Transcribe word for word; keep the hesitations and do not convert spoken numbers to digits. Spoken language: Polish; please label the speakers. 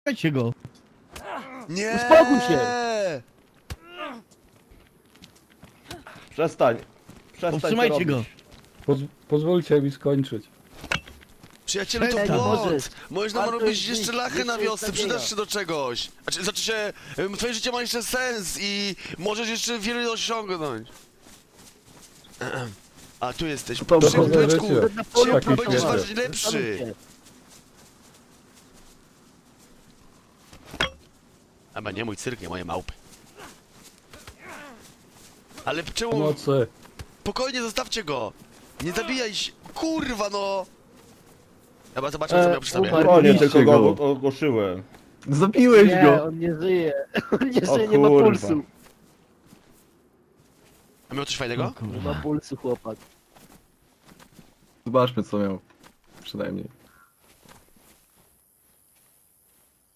Speaker 1: Słuchajcie go.
Speaker 2: Nie!
Speaker 1: Uspokój się.
Speaker 3: Przestań. Przestań to
Speaker 1: Powstrzymajcie go.
Speaker 3: robić.
Speaker 4: Poz pozwólcie mi skończyć.
Speaker 2: Przyjacielu, to
Speaker 1: Ej,
Speaker 2: błąd!
Speaker 1: możesz.
Speaker 2: Możesz nam
Speaker 1: Warto
Speaker 2: robić
Speaker 1: jest
Speaker 2: jeszcze
Speaker 1: żyć,
Speaker 2: lachy na
Speaker 1: jeszcze
Speaker 2: wiosce,
Speaker 1: jest
Speaker 2: przydasz
Speaker 1: nadzieja.
Speaker 2: się do czegoś. Znaczy, znaczy się, em, twoje życie ma jeszcze sens i możesz jeszcze wiele osiągnąć. Ehem. A, tu jesteś.
Speaker 4: To
Speaker 2: Przy
Speaker 4: dobre
Speaker 2: byczku,
Speaker 4: życie.
Speaker 1: Na polu
Speaker 4: Takie
Speaker 2: będziesz
Speaker 4: świecie.
Speaker 2: ważyć lepszy.
Speaker 1: Zastanówcie.
Speaker 2: Chyba nie mój cyrk, nie moje małpy. Ale czemu...
Speaker 4: Pomocy.
Speaker 2: Spokojnie, zostawcie go! Nie zabijaj się! Kurwa no! Chyba zobaczmy, co
Speaker 1: E,
Speaker 2: miał przy sobie.
Speaker 1: umarł.
Speaker 3: Spokojnie, tylko
Speaker 4: Zabijcie
Speaker 3: go
Speaker 4: go.
Speaker 3: ogłoszyłem.
Speaker 4: Zabiłeś
Speaker 1: Nie,
Speaker 4: go!
Speaker 1: on nie żyje. On nie
Speaker 3: O
Speaker 1: żyje, nie ma
Speaker 3: kurwa.
Speaker 1: pulsu.
Speaker 2: A miał coś fajnego?
Speaker 1: Nie ma pulsu, chłopak.
Speaker 4: Zobaczmy co miał. Przynajmniej.